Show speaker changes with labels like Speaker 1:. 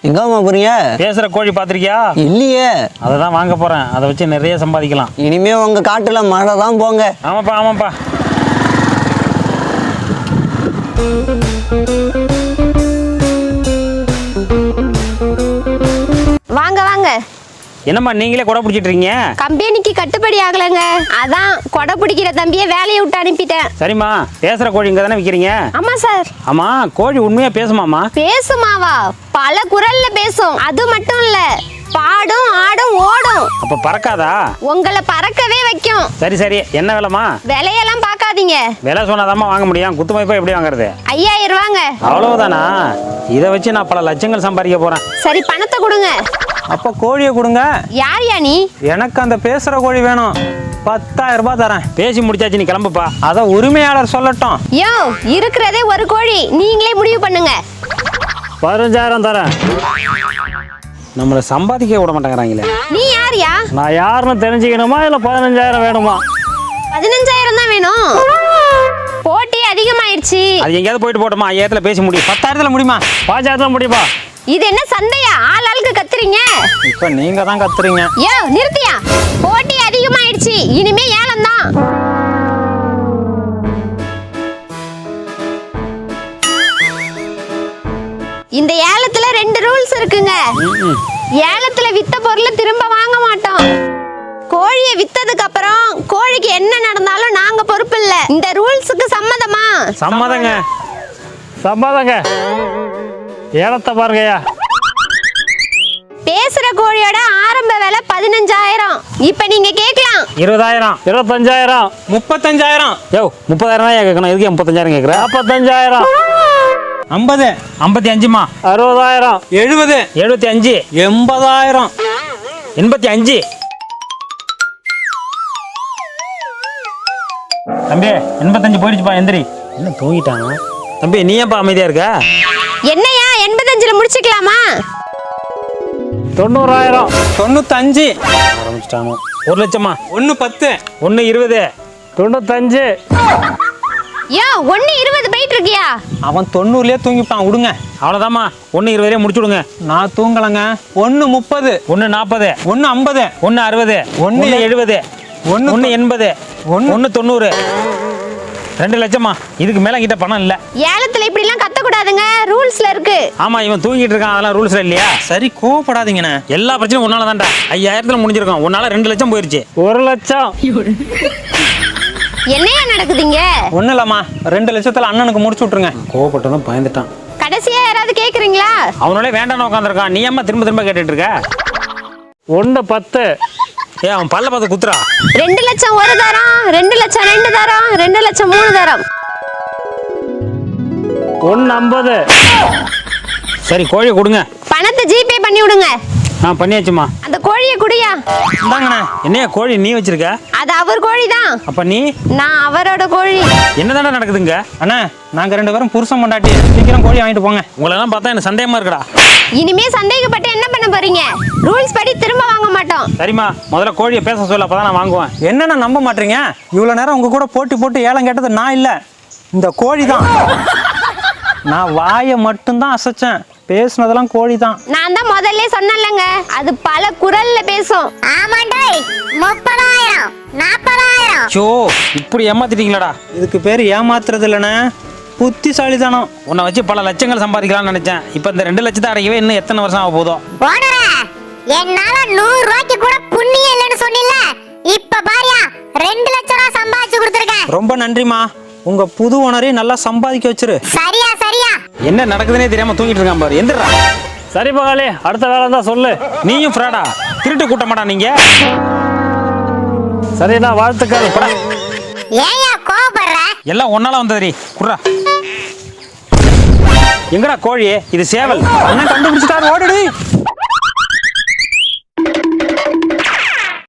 Speaker 1: எங்கம்மா போறீங்க?
Speaker 2: பேசுற கோழி பாத்திருக்கியா?
Speaker 1: இல்லையே.
Speaker 2: அதை தான் வாங்க போறேன். அதை வச்சு நிறைய சம்பாதிக்கலாம்.
Speaker 1: இனிமே உங்க காட்டுல மழை தான் போங்க.
Speaker 2: ஆமாப்பா ஆமாப்பா.
Speaker 3: வாங்க வாங்க.
Speaker 2: என்னம்மா நீங்களே கொடை பிடிச்சிட்டு இருக்கீங்க?
Speaker 3: கம்பெனிக்கு கட்டுப்படி ஆகலங்க, அதான் கொடை பிடிக்கிற தம்பியை வேலையை விட்டு அனுப்பிட்டேன்.
Speaker 2: சரிம்மா, பேசுற கோழி இங்க தானே விற்கிறீங்க?
Speaker 3: ஆமா சார்.
Speaker 2: ஆமா, கோழி உண்மையா பேசுமாமா?
Speaker 3: பேசுமாவா? பல குரல்ல பேசும். அது மட்டும் இல்ல, பாடும் ஆடும் ஓடும்.
Speaker 2: அப்ப பறக்காதா?
Speaker 3: உங்களை பறக்கவே வைக்கும்.
Speaker 2: சரி சரி, என்ன விலைமா?
Speaker 3: விலையெல்லாம் பார்க்காதீங்க.
Speaker 2: விலை சொன்னாதாம்மா வாங்க முடியும். குத்து மதிப்பா எப்படி வாங்குறது?
Speaker 3: 5000 ரூபாங்க.
Speaker 2: அவ்வளவுதானா? இதை வச்சு நான் பல லட்சங்கள் சம்பாதிக்க போறேன்.
Speaker 3: சரி, பணத்தை கொடுங்க.
Speaker 1: அப்ப கோழியை கொடுங்க.
Speaker 3: யார் நீ?
Speaker 1: எனக்கு அந்த பேசுற கோழி வேணும். 10000 ரூபாய் தரேன்.
Speaker 2: பேசி முடிச்சாச்சு, நீ கிளம்புப்பா.
Speaker 1: அத உரிமையாளர் சொல்லட்டும்.
Speaker 3: யோ, இருக்கிறதே ஒரு கோழி, நீங்களே முடிவு பண்ணுங்க.
Speaker 2: 15000 தரேன். நம்மளை சம்பாதிக்க விட மாட்டேங்கிறாங்களே.
Speaker 3: நீ யாரியா?
Speaker 2: நான் யாருன்னு தெரிஞ்சுக்கணுமா இல்ல 15000 வேணுமா?
Speaker 3: 15000 தான் வேணும். போட்டி அதிகமாயிருச்சு.
Speaker 2: அது எங்கேயாவது போயிட்டு போட்டோமா? 5000 பேசி முடியும்.
Speaker 1: 10000 முடியுமா?
Speaker 2: 5000 முடியுமா?
Speaker 3: இது என்ன சண்டையா? ஆளுக்கு கத்துறீங்க.
Speaker 1: இப்ப நீங்க தான் கத்துறீங்க.
Speaker 3: யோ, நிறுத்தியா? போட்டி அதிகமாயிருச்சு, இனிமே ஏலம் தான். இந்த ஏலத்துல 2 ரூல்ஸ் இருக்குங்க. ஏலத்துல வித்த பொருளை திரும்ப வாங்க மாட்டோம். கோழியை வித்ததுக்கு அப்புறம் கோழிக்கு என்ன நடந்தாலும் நாங்க பொறுப்பு இல்ல. இந்த ரூல்ஸுக்கு சம்மதமா?
Speaker 2: சம்மதங்க. சம்மதங்க. ஏலத்தை பாருங்கய்யா.
Speaker 3: பேசுற கோழியோட ஆரம்ப விலை 15000. இப்ப நீங்க கேட்கலாம்
Speaker 2: 20000, 25000,
Speaker 1: 35000.
Speaker 2: யோ 30000 தான் கேட்கணும். எதுக்கு 35000 கேட்குற? 45000,
Speaker 1: 50,
Speaker 2: 55மா, 60000,
Speaker 1: 70,
Speaker 2: 75,
Speaker 1: 80000,
Speaker 2: 85. தம்பி 85 போயிடுச்சுப்பா. எந்திரி. என்ன தூங்கிட்டானா தம்பி? நீ ஏன்ப்பா அமைதியா இருக்க?
Speaker 3: என்னையா 85ல முடிச்சுக்கலாமா?
Speaker 2: 90000,
Speaker 1: 95,
Speaker 2: ஆரம்பிச்சிட்டானோ. 1 லட்சமா?
Speaker 1: 110,
Speaker 2: 120, 95.
Speaker 3: யோ, 120 போயிட்டு இருக்கியா?
Speaker 1: அவன் 90லயே தூங்கிப்பான். விடுங்க.
Speaker 2: அவ்வளோதாம்மா. 120 முடிச்சு விடுங்க.
Speaker 1: நான் தூங்கலங்க. 130,
Speaker 2: 140,
Speaker 1: 150,
Speaker 2: 160, 170, 180, 190. 2 லட்சமா? இதுக்கு மேல கிட்ட பணம் இல்ல.
Speaker 3: ஏலத்துல இப்படி எல்லாம் கத்த கூடாதுங்க, ரூல்ஸ்ல இருக்கு.
Speaker 2: ஆமா, இவன் தூங்கிட்டு இருக்கான். அதெல்லாம் ரூல்ஸ்ல இல்லையா?
Speaker 1: சரி, கோவப்படாதீங்கண்ணே.
Speaker 2: எல்லா பிரச்சனையும் உன்னால தான்டா. 5000ல முடிஞ்சிருக்கும். உன்னால 2 லட்சம் போயிருச்சு. 1 லட்சம்.
Speaker 3: என்னையா நடக்குதுங்க?
Speaker 1: ஒண்ணு இல்லம்மா, 2 லட்சத்துல அண்ணனுக்கு முடிச்சு விட்டுருங்க.
Speaker 2: கோவப்பட்டதும் பயந்துட்டான்.
Speaker 3: கடைசியா யாராவது கேக்குறீங்களா?
Speaker 2: அவனோட வேண்டான்னு உட்காந்துருக்கான். நீ அம்மா திரும்ப திரும்ப கேட்டுட்டு இருக்க? 110. ஏ, அவன் பல்ல பார்த்து குத்துறா.
Speaker 3: 2 லட்சம் 1 தரம், 2 லட்சம் 2 தரம், 2 லட்சம் 3 தரம்.
Speaker 2: 150. சரி, கோழியை கொடுங்க.
Speaker 3: பணத்தை ஜிபே பண்ணி விடுங்க.
Speaker 2: பண்ணியாச்சுமா.
Speaker 3: அந்த கோழியை குடியா.
Speaker 1: இந்தாங்கண்ணே.
Speaker 2: என்னையா கோழி நீ வச்சிருக்க?
Speaker 3: அது அவர் கோழி தான்.
Speaker 2: அப்ப நீ?
Speaker 3: நான் அவரோட கோழி.
Speaker 2: என்னதானே நடக்குதுங்க?
Speaker 1: அண்ணா, நாங்க 2 பேரும் புருஷன் பொண்டாட்டி. சீக்கிரம் கோழி வாங்கிட்டு போங்க.
Speaker 2: உங்களை எல்லாம் பார்த்தா எனக்கு சந்தேகமா இருக்குடா.
Speaker 3: இனிமே சந்தேகப்பட்டு என்ன பண்ண போறீங்க? ரூல்ஸ் படி திரும்ப வாங்க மாட்டோம்.
Speaker 2: சரிம்மா, முதல்ல கோழியை பேச சொல்ல, அப்பதான் நான் வாங்குவேன்.
Speaker 1: என்னண்ணா நம்ப மாட்டீங்க? இவ்வளவு நேரம் உங்க கூட போட்டு ஏலம் கேட்டது நான் இல்ல, இந்த கோழி தான். நான் வாயை மட்டும்தான் அசைச்சேன். பேசுனதெல்லாம் கோழி தான்.
Speaker 3: நான் தான் முதல்ல சொன்னேன்லங்க, அது பல குரல்ல பேசும்.
Speaker 4: ஆமாண்டாய். 30000, 40000.
Speaker 2: சோ, இப்படி ஏமாத்திட்டீங்களாடா.
Speaker 1: இதுக்கு பேர் ஏமாத்துறது இல்லைண்ணே, புத்திசாலிதானம்.
Speaker 2: உன்னை வச்சு பல லட்சங்கள் சம்பாதிக்கலாம்னு நினைச்சேன். இப்ப இந்த 2 லட்சத்தை அடைக்கவே இன்னும் எத்தனை வருஷம் ஆக போதோ?
Speaker 4: ஓனரே, என்னால 100 ரூபாய்க்கு கூட புண்ணியம் இல்லைன்னு சொன்னில. இப்ப பாரியா 2 லட்சம் ரூபாய் சம்பாதிச்சு கொடுத்துருக்கேன்.
Speaker 1: ரொம்ப நன்றிமா. உங்க புது ஓனரையும் நல்லா சம்பாதிக்க வச்சிரு.
Speaker 4: சரியா?
Speaker 2: என்ன நடக்குதுன்னே தெரியாம தூங்கிட்டு இருக்கான் பாரு. எந்திரா. சரி பகாலே, அடுத்த வேலை தான் சொல்லு. நீயும் ஃப்ராடா? திருட்டு கூட்ட மாட்டா நீங்க? சரிடா, வாழ்த்துக்கள்.
Speaker 4: ஏயா கோவப்படுற?
Speaker 2: எல்லாம் ஒன்னால வந்ததுரி. குர்ரா. எங்கடா கோழி? இது சேவல்.
Speaker 1: அண்ணன் கண்டுபிடிச்சிட்டாரு, ஓடுடி.